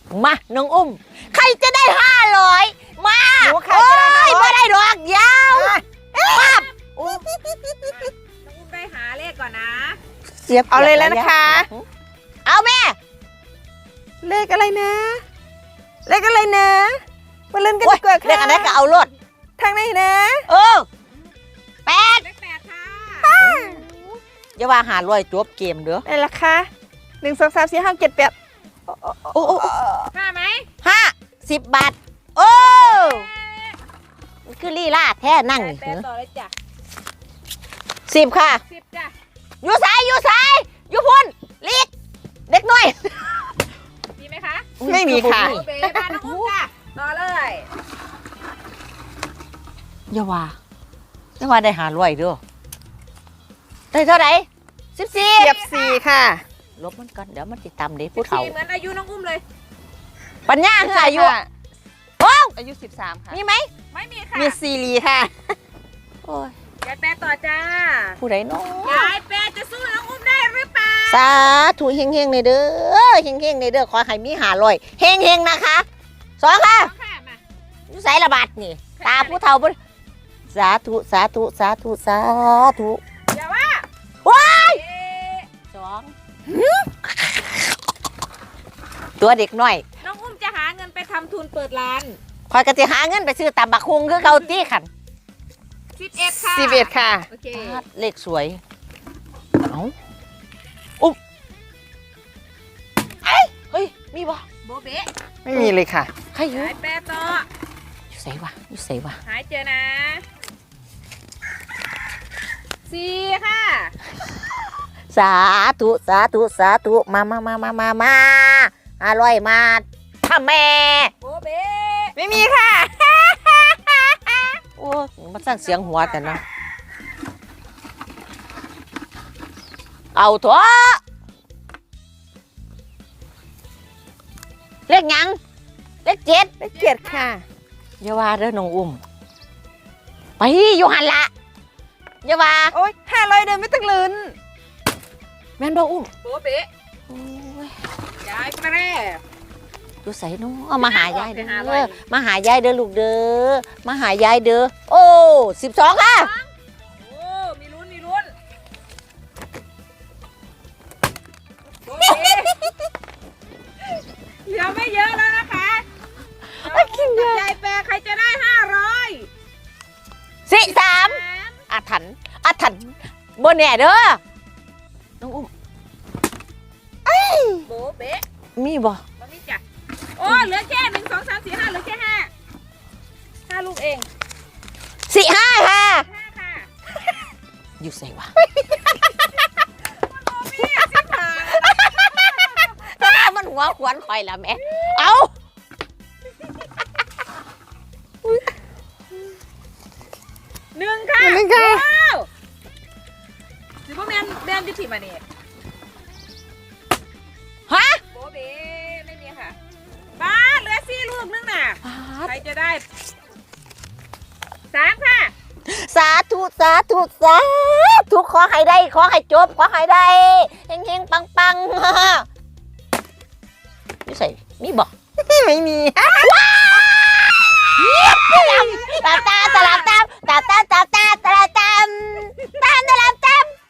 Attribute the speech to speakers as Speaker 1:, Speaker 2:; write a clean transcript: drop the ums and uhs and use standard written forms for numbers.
Speaker 1: มาน้องอุ้มใครจะได้500มา
Speaker 2: หนูใครจะได้500
Speaker 1: ไม่ได้ดอกยาวปั๊บ
Speaker 3: น้องอุ้มได้หาเลขก่อนนะ
Speaker 1: เสียบ
Speaker 2: เอาเลยแล้วนะคะ
Speaker 1: เอาแม่
Speaker 2: เลขอะไรนะ เลขอะไรนะมาเล่นกัน
Speaker 1: โอ๊ย
Speaker 2: ดีกว่าค่ะ
Speaker 1: เรียกอันนั้นก็เอารถ
Speaker 2: ทางไหนนะ
Speaker 1: เออ8
Speaker 3: เลข8ค่ะ
Speaker 1: อย่าว่า500จบเกมเด้อ
Speaker 2: ไหนล่ะคะ1 2 3 4 5 6 7 8
Speaker 1: โอ้โอ้
Speaker 3: ห้าไหม
Speaker 1: 50 บาทโอ้มันคือลีลาแท้นั่ง
Speaker 3: แปดต่อเลยจ้ะ
Speaker 1: 10ค่ะ
Speaker 3: 10จ้ะ
Speaker 1: อยู่สายอยู่พุ่นลีกเด็กน้อย
Speaker 3: มีไหมคะ
Speaker 2: ไม่มีค่ะ
Speaker 3: โอเบบ้านน้องอุ้มจ้ะต่อเลย
Speaker 1: อย่าว่าได้500เด้อได้เท่าไหร่14
Speaker 2: เสียบ4ค่ะ
Speaker 1: ลบมันก่อนเดี๋ยวมันติดตามเด็ผู้เฒ่า
Speaker 3: เหมือนอายุน้องอุ้มเลย
Speaker 1: ปัญญาคืออายุ
Speaker 2: ค่ะ
Speaker 1: โอ้
Speaker 2: อายุ13ค่ะ
Speaker 1: มีไหม
Speaker 3: ไม่มีค่ะ
Speaker 2: มีซีรีค่ะ
Speaker 1: โอ้ย
Speaker 3: ยายแปดต่อจ้า
Speaker 1: ผู้ใดเนาะ
Speaker 3: ยายแปดจะสู้น้องอุ้มได้หรือเปล่า
Speaker 1: สาธุเฮงๆในเด้อเฮงๆในเด้อขอให้มี500เฮงๆนะคะ2ค่ะ
Speaker 3: เอาค่ะมา
Speaker 1: อยู่ไสระบาดนี่ตาผู้เฒ่าบ่สาธุสาธุสาธุสาธุ
Speaker 3: อย่าว่า
Speaker 1: ว้าย
Speaker 3: เอ๊ะ
Speaker 1: 2ตัวเด็กน้อย
Speaker 3: น้องอุ้มจะหาเงินไปทำทุนเปิดร้าน
Speaker 1: คอยก็สิหาเงินไปซื้อตำบักฮุงคือเก่าติคัน
Speaker 3: 11ค่ะ
Speaker 2: 11ค่ะ
Speaker 3: โอเค
Speaker 1: เลขสวยเอ้าอุ๊บเฮ้ยมีบ่
Speaker 3: โบเบะ
Speaker 2: ไม่มีเลยค่ะ
Speaker 1: ใครอยู่
Speaker 3: ยายแปดต่อ
Speaker 1: อยู่ไสวะอยู่ไสวะ
Speaker 3: หายเจอนะ4ค่ะ
Speaker 1: สาธุสาธุสาธุมา500มาถ้าแม่
Speaker 3: โบเบะ
Speaker 2: ไม่มีค่ะ
Speaker 1: โอ้มันสั่งเสียงหัวแต่นะเอาเถอะเลขหยังเลข7
Speaker 2: เลข7ค่ะ
Speaker 1: อย่าว่าเด้อน้องอุ้มไปอยู่หันละอย่าว่า
Speaker 2: โอ๊ย500เดินไม่ต้องลุ้น
Speaker 1: แม่นบ่อุ้ม
Speaker 3: โบเบะ
Speaker 1: โอ้ย
Speaker 3: ยายแปร
Speaker 1: ดูใส่น้องมาหายายเด้
Speaker 3: ไปหา
Speaker 1: อ
Speaker 3: ร้อย
Speaker 1: มาหายายเด้อลูกเด้อมาหายายเด้อโอ้12ค่ะ
Speaker 3: โอ้มีลุ้นมีลุ้นโบเบะเหลือไม่เยอะแล้วนะคะน้องอุ้มกับยายแปรใครจะได้500
Speaker 1: 43อาถรรพ์บ่แน่เด้อน้องอุ้ม
Speaker 3: โบเบะ
Speaker 1: มีบ่
Speaker 3: มันนี่จ้ะโอ้เหลือแค่1 2 3 4 5เหลือแค่5ลูกเอง
Speaker 1: 45ค่ะ
Speaker 3: 5ค่ะ
Speaker 1: อยู่ใส่วะ มันหัวขวนคอยละแม่เอา
Speaker 3: 1 ค่ะ
Speaker 2: 1ค่ะ
Speaker 3: ว้าวถือว่าแมนที่ผิดมาเนี่ย
Speaker 1: ฮะ
Speaker 3: โบเบไม่มีค่ะบ้าเหลือ4 ลูกนึงน่ะใครจะได้3ค่ะ
Speaker 1: สาธุสาธุสาธุขอให้ได้ขอให้จบขอให้ได้เฮงๆปังๆอยู่ใส่มีบ่
Speaker 2: ไม่มี